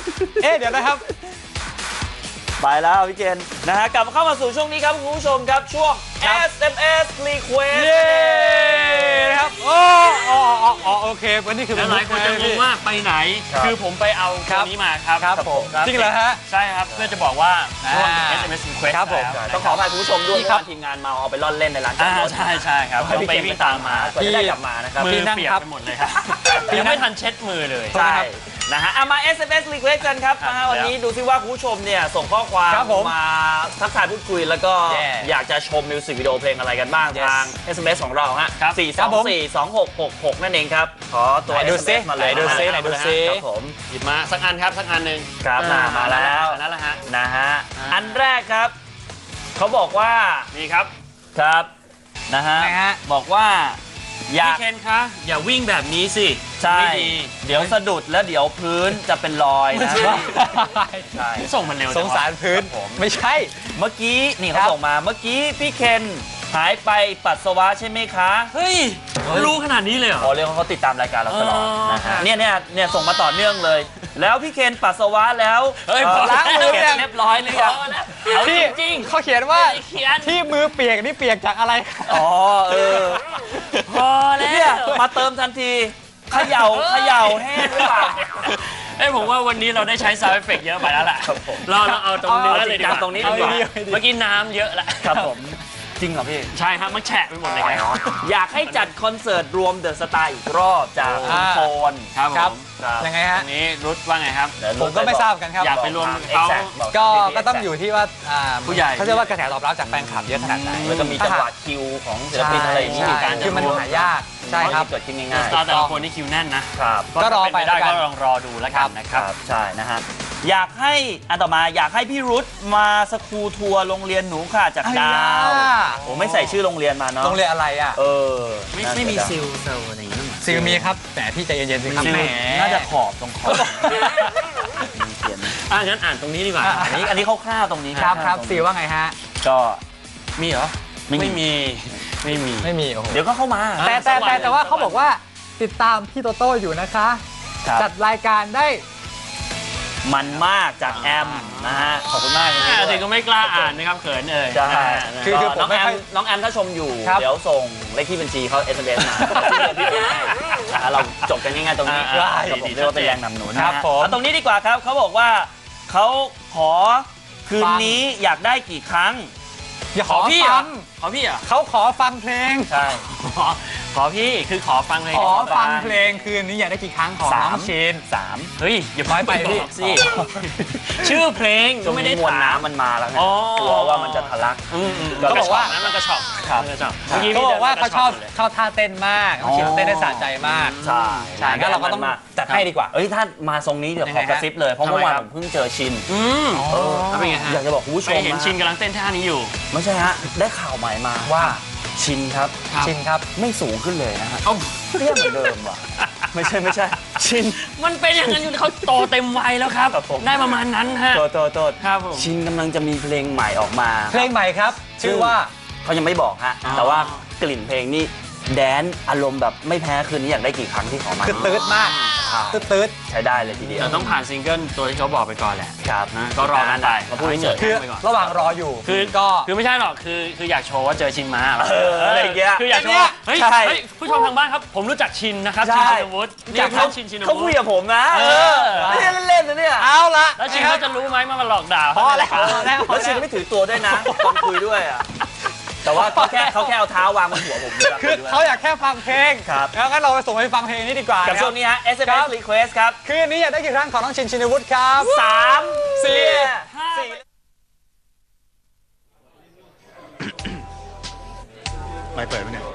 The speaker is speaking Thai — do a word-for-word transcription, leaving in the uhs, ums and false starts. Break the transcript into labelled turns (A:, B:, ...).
A: เอ๊ะเดี๋ยวนะครับ
B: ไปแล้วพี่เจนนะฮะกลับมาเข้ามาสู่ช่วงนี้ครับคุณผู้ชมครับช่วง เอส เอ็ม เอส Request
A: เย้นะครับโอ้อ๋ออ๋อโอเควันนี้คือเป็น
C: หลายคนจะงงว่าไปไหนคือผมไปเอาตัวนี้มาครับ
A: ครับผมจริงเหรอฮะ
C: ใช่ครับเพื่อจะบอกว่าช่วง เอส เอ็ม เอส Request
B: ครับผมต้องขออภัยคุณผู้ชมด้วยที่ทีมงานเมาเอาไปล่อนเล่นในร้านจอดรถ
C: ใช่ใช่ครับต้องไปวิ่งตามมา
B: เพื่อจะได้กลับมานะครับ
C: มือเปียกไปหมดเลยครับยังไม่ทันเช็ดมือเลย
B: ใช่นะฮะมา เอส เอ็ม เอส Request กันครับนะฮะวันนี้ดูซิว่าคุณผู้ชมเนี่ยส่งข้อความมาทักทายพูดคุยแล้วก็อยากจะชมมิวสิกวิดีโอเพลงอะไรกันบ้างทาง เอส เอ็ม เอส ของเราฮะสี่ สอง สี่ สอง หก หก หกนั่นเองครับขอตัว
A: ดูซิ
B: มาเลย
A: ดูซิไหนดูซิ
B: ครับผม
C: หยิบมาสักอันครับสักอันหนึ่ง
B: ครับมาแล้ว
C: นั่นแหละฮะ
B: นะฮะอันแรกครับเขาบอกว่า
C: นี่ครับ
B: ครับนะฮะบอกว่าอยาก
C: พี่เคนคะอย่าวิ่งแบบนี้สิ
B: ใช่
C: ไม่ดี
B: เดี๋ยวสะดุดแล้วเดี๋ยวพื้นจะเป็นรอยนะใช่
C: ส่งมันเร็ว
A: สงสารพื้นไม่ใช่
B: เมื่อกี้นี่เขาส่งมาเมื่อกี้พี่เคนหายไปปัสสาวะใช่ไหมคะ
C: เฮ้ยรู้ขนาดนี้เลยเหรอ
B: อ๋อเรียกว่าเขาติดตามรายการเราตลอด
C: อ๋อ
B: นะฮะเนี่ยเนี่ยเนี่ยส่งมาต่อเนื่องเลย แล้วพี่เคนปัสสาวะแล้ว
C: เฮ้ย
B: ล้างมือ
C: เก็บ
B: เรียบร้อยหรือยัง
C: เอาจริง
A: เขาเขียนว่า
C: เขียน
A: ที่มือเปียกนี่เปียกจากอะไร
B: อ๋อเออ
C: พอแล้ว
B: เนี่ยมาเติมทันทีเขย่าเขย่าแห้งหรือเปล่า
C: เอ้ยผมว่าวันนี้เราได้ใช้ sound effect เยอะไปแล้วแหละ
B: ครับผม
C: เราเราเอาตรงเนื้อเลยดีกว่า
B: ตรงนี้ดีกว่า
C: เมื่อกี้น้ำเยอะแหละ
B: ครับผมจริงเหรอพี่
C: ใช่ครับมันแฉะไปหมดเลยครับ
B: อยากให้จัดคอนเสิร์ตรวมเดอะสตาร์อีกรอบจากคุณโฟน
C: ครับผม
A: ยังไง
C: อั
A: ฮะ
C: นนี้รุดว่าไงครับ
A: ผมก็ไม่ทราบกันครับ
C: อยากไปรวมเขา
A: ก็ก็ต้องอยู่ที่ว่าอ่า
C: ผู้ใหญ่
A: เขาเรียกว่ากระแสตอบรับจากแฟนคลับเยอะขนาดไหน
B: แล้วก็มีจังหวะคิวของศิลปินอะไรอย่างนี้
A: ใช่
B: การ
A: คือมันหายากใช่ครับ
B: เกิดขึ้น
C: ส
B: ง่าย
C: ตาร์แต่ละคนนี่คิวแน่นนะ
B: ๆครับ
A: ก็รอไป
C: เป็นได้
A: แล้วกัน
C: ก็ลองรอดูแล้วกันนะค
B: ครับ รับใช่นะฮะอยากให้อันต่อมาอยากให้พี่รุธมาสกูทัวร์โรงเรียนหนูค่ะจากดาวโอ้ไม่ใส่ชื่อโรงเรียนมาเนาะ
A: โรงเรียนอะไรอ่ะ
B: เออ
C: ไม่
B: น่า
C: ไม่มี
B: จะ
C: ซิลเซลอะไรอย่างเงี้ย
A: ซิลมีครับแต่พี่ใจเย็นๆสิครับ
B: ซิล
A: แหม
B: น่าจะขอบตรงขอบมีเขียน
C: อ่ะงั้นอ่านตรงนี้ดีกว่า
B: อันนี้อันนี้คร่าวๆตรงนี้
A: ครับครับ
B: ตงนี้
A: ซิลว่าไงฮะ
B: ก็
C: มีเหรอ
B: ไม่มี
C: ไม่มีไม่มี
A: ไม่มีโอ้โห
B: เดี๋ยวก็เข้ามา
A: แต่แต่แต่แต่ว่าเขาบอกว่าติดตามพี่โตโต้อยู่นะคะ
B: ครับ
A: จัดรายการได้
B: มันมากจากแอมนะฮะขอบคุณมากจริง
C: อ่ะ
B: ๆ
C: ถึงก็ไม่กล้าอ่านนะครับเขินเอ่ย
B: ใช่
A: คื
B: คือ อ
A: คือผม
B: น้อง
A: ไม่
B: แอ
A: ค่
B: ม
A: อย
B: น้องแอมถ้าชมอยู่
A: ครับ
B: เดี๋ยวส่งเลขที่บัญชีเขา เอส เอ็ม เอส มาพี่โอนให้อ่ะเราจบกันง่ายๆตรงนี้
C: อ่า
B: ครับผม
C: ดีๆ
B: เรียกว่าเป็นแรงนำหนุน
A: ครับ
B: นะฮะ
A: ผม
B: เอาตรงนี้ดีกว่าครับเขาบอกว่าเขาขอคืน
A: ฟัง
B: นี้อยากได้กี่ครั้ง
A: อย่า
C: ข
A: ข
C: อ
A: อ
C: พี่เหร
A: ฟั
C: อง ขอพี่เหรอ
A: เขาขอฟังเพลง
B: ใช่
C: ขอขอพี่คือขอฟังเพลง
A: ขอฟัง
B: ฟัง
A: เพลงคืนนี้อยากได้กี่ครั้งของ
B: สาม
A: น้องชิน
B: สาม
C: เฮ้ยอย่า
A: น้อยไปพี่
C: บอกสิชื่อเพลง
B: ช่วง
C: ไม่ได้
B: นี้มวล
C: ถาม
B: น้ำมันมาแล้วไง
C: อ๋อก
B: ลัวว่ามันจะทะลัก
C: อืมอืม
B: ก็
C: ก็
B: บอกว่า
C: นั้นมันกระชอก
B: ครับ
C: มันกระชอก
B: ครับ
C: มื่
A: เขาบอกว่าเขาชอบ
C: เลย
A: ชอบท่าเต้นมากน้องชินเต้นได้สะใจมาก
B: ใช่
A: ใช่งั้นเราก็ต้องจัดให้ดีกว่า
B: เอ้ยถ้ามาทรงนี้เดี๋ยว
A: ยัง
B: ข
A: ไง
B: อกระซิบเลยเพราะ
C: ทำไม
B: เมื่อวาน
C: ครั
B: ผ
C: บ
B: มเพิ่งเจอชิน
C: อืม
B: เออ
C: แล้วเป็นไงฮะ
B: อยากจะบอกคุณผู้ช
C: ไป
B: ม
C: เห็นชินกำลังเต้นท่านี้อยู่
B: ไม่ใช่ฮะได้ข่าวใหม่มา
A: ว่า
B: ชินครับ
C: ครับ
A: ชินครับ
B: ไม่สูงขึ้นเลยนะฮะ
C: เอ้า
B: เตี้ยเหมือนเดิมว่ะไม่ใช่ไม่ใช่ชิน
C: มันเป็นอย่างนั้นอยู่เขาโตเต็มวัยแล้วครับ
B: ครับผม
C: ได้ประมาณนั้นฮะ
B: โทษโทษโทษ
C: ครับผม
B: ชินกำลังจะมีเพลงใหม่ออกมา
A: เพลงใหม่ครับ ชื่อว่า
B: เขายังไม่บอกฮะ
C: อ๋อ
B: แต่ว่ากลิ่นเพลงนี่แดนซ์อารมณ์แบบไม่แพ้คืนนี้อยากได้กี่ครั้งที่ขอมา
A: คือตืดมาก
B: ครับ
A: ตืดตืด
B: ใช้ได้เลยทีเดียว
C: แต่ต้องผ่านซิงเกิลตัวที่เขาบอกไปก่อนแหละ
B: ครับ
C: นะก็รอกันไป
B: มาพูดเฉย
A: คือ
C: ไปก่อน
A: ระหว่างรออยู่
C: คือ
A: ก็
C: คือไม่ใช่หรอกคือคืออยากโชว์ว่าเจอชินมา
B: เอออะไรอย่างเงี้ย
C: คืออยากโช
A: เนี่
C: ว์
A: ย
C: เฮ้ย
B: ใช่
C: เฮ้ยผู้ชมทางบ้านครับผมรู้จักชินนะครับ
B: ใช่
C: ชินชินวุฒิ
B: จริง
C: เขา
B: เขา
C: ชินชิน
B: เขาคุยกับผมนะ
C: เออ
B: ไม่ได้เล่นๆนะเนี่ย
A: เอาละ
C: แล้วชินเขาจะรู้ไหมว่ามันหลอกด่า
A: พอแล้ว
C: เขา
A: พอแล้วพอ
B: แล้วชิน
A: แล้ว
B: ไม่ถือตัวด้วยนะตอนคุยด้วยอ่ะแต่ว่าเขาแค่เขาแค่เอาเท้าวางบนหัวผมด้วย
A: คือเขาอยากแค่ฟังเพลง
B: ครับ
A: แล้วงั้นเราไปส่งไปฟังเพลงนี้ดีกว่า
B: กับ
A: นะค
B: ช่
A: รั
B: ว
A: บ
B: งนี้ฮะ เอส เอ็ม เอส Request ครับ
A: คืนนี้อยากได้กี่ครั้งของน้องชินชินวุฒิครับ
B: สามสี่
A: สี่
B: สี่
A: ไม่เปิดไหมเนี่ย